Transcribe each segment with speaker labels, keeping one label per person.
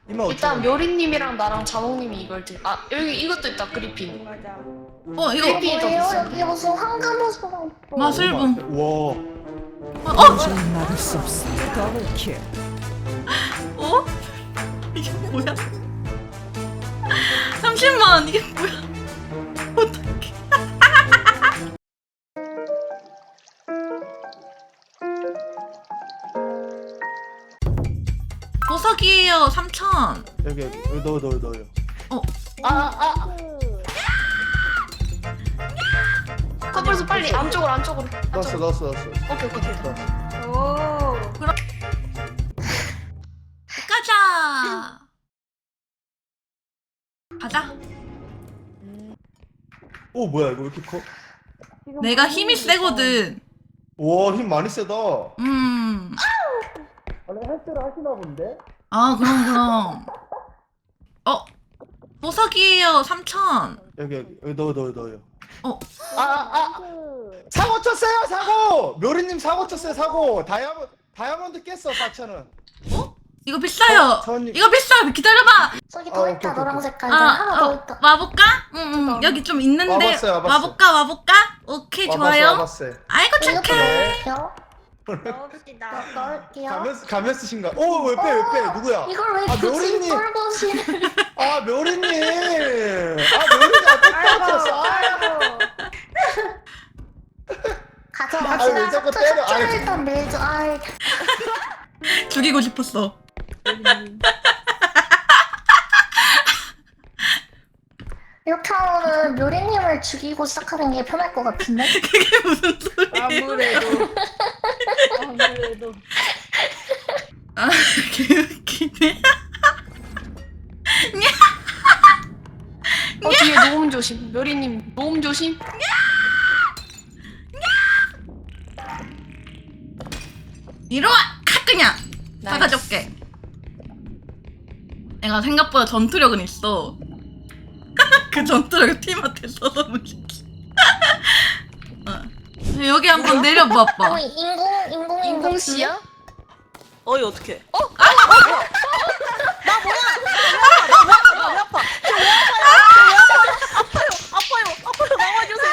Speaker 1: 이마
Speaker 2: 일단 묘리님이랑 나랑 자몽님이 이걸 여기 이것도 있다. 그리핀.
Speaker 3: 맞아.
Speaker 4: 이거
Speaker 2: 그리핀이 더
Speaker 5: 뭐예요?
Speaker 2: 비싼.
Speaker 5: 여기 무슨 황금옷으로 입고
Speaker 4: 마술봉.
Speaker 1: 와.
Speaker 6: 도저히 막을 수 없어. 더블킬.
Speaker 4: 어? 이게 뭐야? 30만 이게 뭐야? 어떡해? 보석이에요. 3,000.
Speaker 1: 여기 넣어요.
Speaker 2: 커플스 빨리 안쪽으로.
Speaker 1: 넣었어.
Speaker 2: 오케이.
Speaker 3: 오.
Speaker 4: 가자.
Speaker 1: 오 뭐야 이거 왜 이렇게 커?
Speaker 4: 내가 힘이 세거든.
Speaker 1: 와 힘 많이 세다.
Speaker 4: 음.
Speaker 1: 원래 헬스를 하시나 본데?
Speaker 4: 아, 그럼. 보석이에요. 3,000.
Speaker 1: 여기 넣어요. 사고 쳤어요 사고. 묘리님 사고 쳤어요 사고. 다이아몬드 깼어 4,000원.
Speaker 4: 이거 비싸요.
Speaker 1: 전-
Speaker 4: 이거 비싸. 기다려봐.
Speaker 5: 저기
Speaker 1: 아,
Speaker 5: 더
Speaker 1: 오케이,
Speaker 5: 있다.
Speaker 1: 오케이,
Speaker 5: 노랑
Speaker 1: 오케이.
Speaker 5: 색깔 하나 더 있다.
Speaker 4: 와볼까? 응. 여기 좀 있는데.
Speaker 1: 와봤어요.
Speaker 4: 와볼까? 오케이, 좋아요.
Speaker 1: 와봤어요.
Speaker 4: 아이고,
Speaker 5: 이것도
Speaker 4: 착해.
Speaker 5: 넣을게요.
Speaker 3: 넣읍시다.
Speaker 5: 넣을게요.
Speaker 1: 가면 쓰신가? 오 왜 빼? 누구야?
Speaker 5: 이걸 왜
Speaker 1: 아,
Speaker 5: 굳이
Speaker 1: 묘리님.
Speaker 5: 똘보시를
Speaker 1: 아 묘리님. 묘리님 아까
Speaker 3: 아이고.
Speaker 5: 가져갑시다.
Speaker 1: 왜 자꾸 때려?
Speaker 5: 숫자
Speaker 1: 아이.
Speaker 5: 일단 밀죠. 아이.
Speaker 4: 죽이고 싶었어.
Speaker 5: 이렇게 하면은 묘리님을 죽이고 시작하는 게 편할 것 같은데?
Speaker 4: 그게 무슨 소리야?
Speaker 3: 아무래도.
Speaker 4: 아, 개웃기네.
Speaker 2: 뒤에 노음 조심. 묘리님 노음 조심.
Speaker 4: 이리와! 카 그냥!
Speaker 2: 나이스.
Speaker 4: 사가줄게. 내가 생각보다 전투력은 있어. 그 전투력을 팀한테 써서문시키. 여기 한번 내려봐봐.
Speaker 5: 인공
Speaker 2: 씨야?
Speaker 3: 어이 어떻게? 아파요. 나와주세요.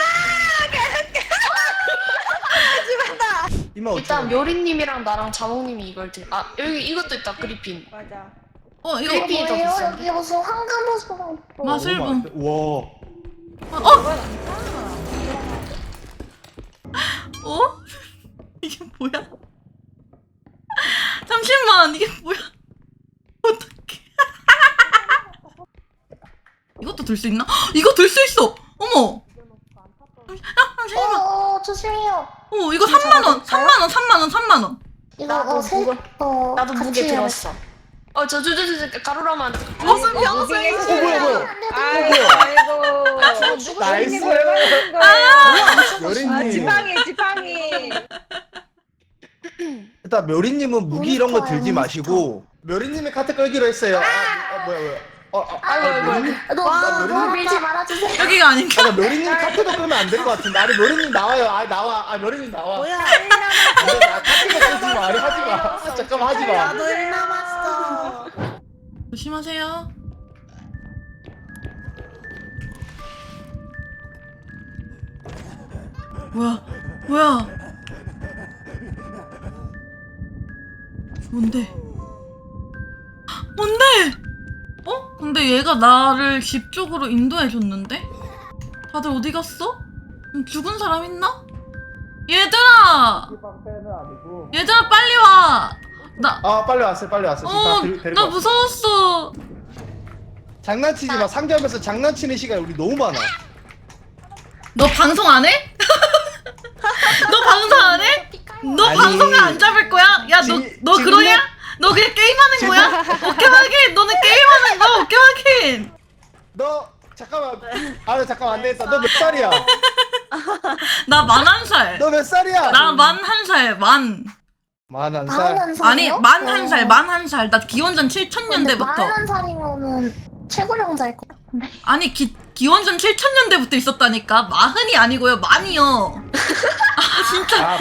Speaker 1: 이마
Speaker 2: 일단 묘리님이랑 나랑 자몽님이 이걸 여기 이것도 있다. 그리핀.
Speaker 3: 맞아.
Speaker 4: 이거
Speaker 2: 그리핀이 더
Speaker 5: 뭐예요?
Speaker 2: 비싼.
Speaker 5: 여기 무슨 황금옷으로 입고
Speaker 4: 마술봉.
Speaker 1: 와.
Speaker 4: 이게 뭐야? 30만 이게 뭐야? 어떡해? 이것도 들 수 있나? 이거 들 수 있어! 어머! 잠시만.
Speaker 5: 조심해요.
Speaker 4: 이거 3만원! 3만원!
Speaker 2: 나도 나도
Speaker 5: 같이
Speaker 2: 무게
Speaker 5: 해요.
Speaker 2: 들었어. 저 가루라만.
Speaker 4: 무슨
Speaker 1: 뭐야.
Speaker 3: 아이고.
Speaker 1: 나이스. 묘리님.
Speaker 3: 지팡이.
Speaker 1: 일단 묘리님은 무기 이런 거 들지
Speaker 5: 몬스터야,
Speaker 1: 마시고 묘리님의 카트 끌기로 했어요. 뭐야.
Speaker 2: 아이고.
Speaker 5: 너 밀지 말아주세요.
Speaker 4: 여기가 아닌가?
Speaker 1: 묘리님 카트도 끄면 안 될 것 같은데. 아니 묘리님 나와요. 나와. 묘리님 나와.
Speaker 3: 뭐야?
Speaker 1: 카트도 끌지 마. 아니 하지 마. 잠깐만 하지 마.
Speaker 5: 나도 일 남았어.
Speaker 4: 조심하세요. 뭐야? 뭔데? 근데 얘가 나를 집 쪽으로 인도해줬는데? 다들 어디 갔어? 죽은 사람 있나? 얘들아 빨리 와!
Speaker 1: 빨리 왔어요. 지금 다 데리고
Speaker 4: 나
Speaker 1: 왔어요.
Speaker 4: 무서웠어.
Speaker 1: 장난치지 마. 상점에서 장난치는 시간이 우리 너무 많아.
Speaker 4: 너 방송 안 해? 너 방송 안 해? 너
Speaker 1: 아니,
Speaker 4: 방송을 안 잡을 거야? 야, 너
Speaker 1: 지금
Speaker 4: 그러냐? 너 그냥 게임하는 거야? 오케이 확인. 너는 게임하는 거 오케이 확인.
Speaker 1: 너 잠깐만. 잠깐만 안 되겠다. 너 몇 살이야?
Speaker 4: 나 41살.
Speaker 1: 너 몇 살이야?
Speaker 4: 나 41살. 만.
Speaker 1: 41살.
Speaker 4: 아니 41살. 41살. 나 기원전 7000년대부터.
Speaker 5: 41살이면은 최고령자일 것 같은데.
Speaker 4: 아니 기원전 7000년대부터 있었다니까. 마흔이 아니고요. 만이요. 아 진짜.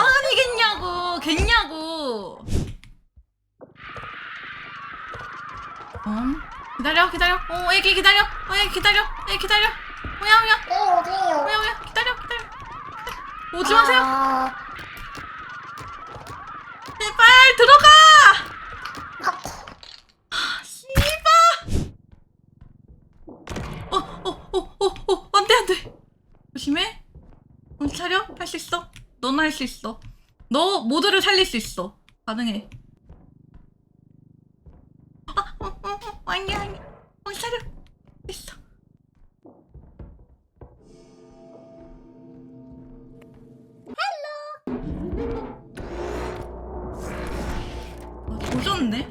Speaker 4: 마흔이겠냐고. 겠냐고. 기다려 기다려. 애기 기다려. 애기 기다려. 애기 기다려. 오야
Speaker 5: 네, 어디에요?
Speaker 4: 오야 기다려 기다려. 오지 마세요.
Speaker 5: 아,
Speaker 4: 제발 들어가. 씨발. 안돼 안돼. 조심해. 정신 차려. 할 수 있어. 너는 할 수 있어. 너 모두를 살릴 수 있어. 가능해. 아니야 아니야. 정신 차려. 있어. 조졌네.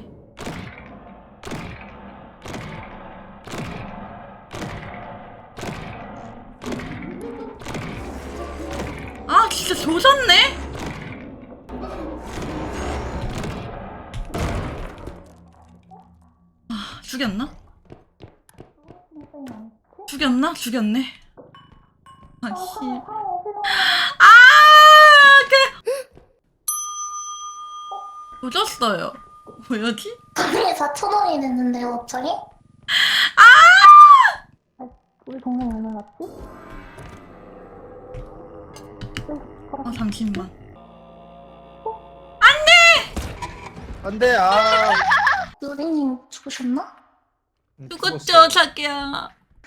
Speaker 4: 아 진짜 조졌네. 아 죽였나? 죽였나? 죽였네. 아씨. 조졌어요. 뭐였지?
Speaker 5: 가방에 4,000원이 됐는데요, 갑자기? 우리 동네 얼마 갔지?
Speaker 4: 잠시만.
Speaker 1: 안돼. 아.
Speaker 5: 묘리님 죽으셨나?
Speaker 4: 죽었죠 자기야.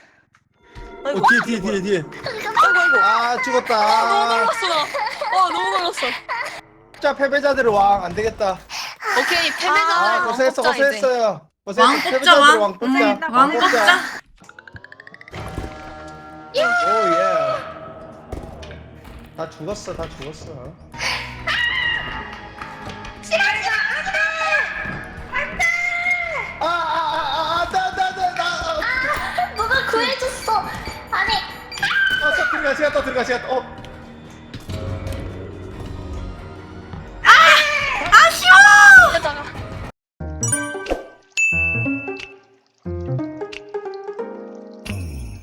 Speaker 1: 뒤에.
Speaker 3: 아이고.
Speaker 1: 아 죽었다.
Speaker 3: 너무
Speaker 1: 아,
Speaker 3: 놀랐어 나. 너무 놀랐어.
Speaker 1: 자 패배자들의 왕 안 되겠다.
Speaker 2: 오케이
Speaker 1: 아
Speaker 2: 패배자들
Speaker 1: 고생했어
Speaker 2: 왕 뽑자, 이제.
Speaker 1: 고생했어요.
Speaker 4: 왕 뽑자
Speaker 1: 패배자들의
Speaker 4: 왕.
Speaker 1: 뽑자.
Speaker 4: 왕 뽑자.
Speaker 1: 오예. 다 죽었어. 나.
Speaker 5: 누가 구해줬어! 아니,
Speaker 1: 들어가.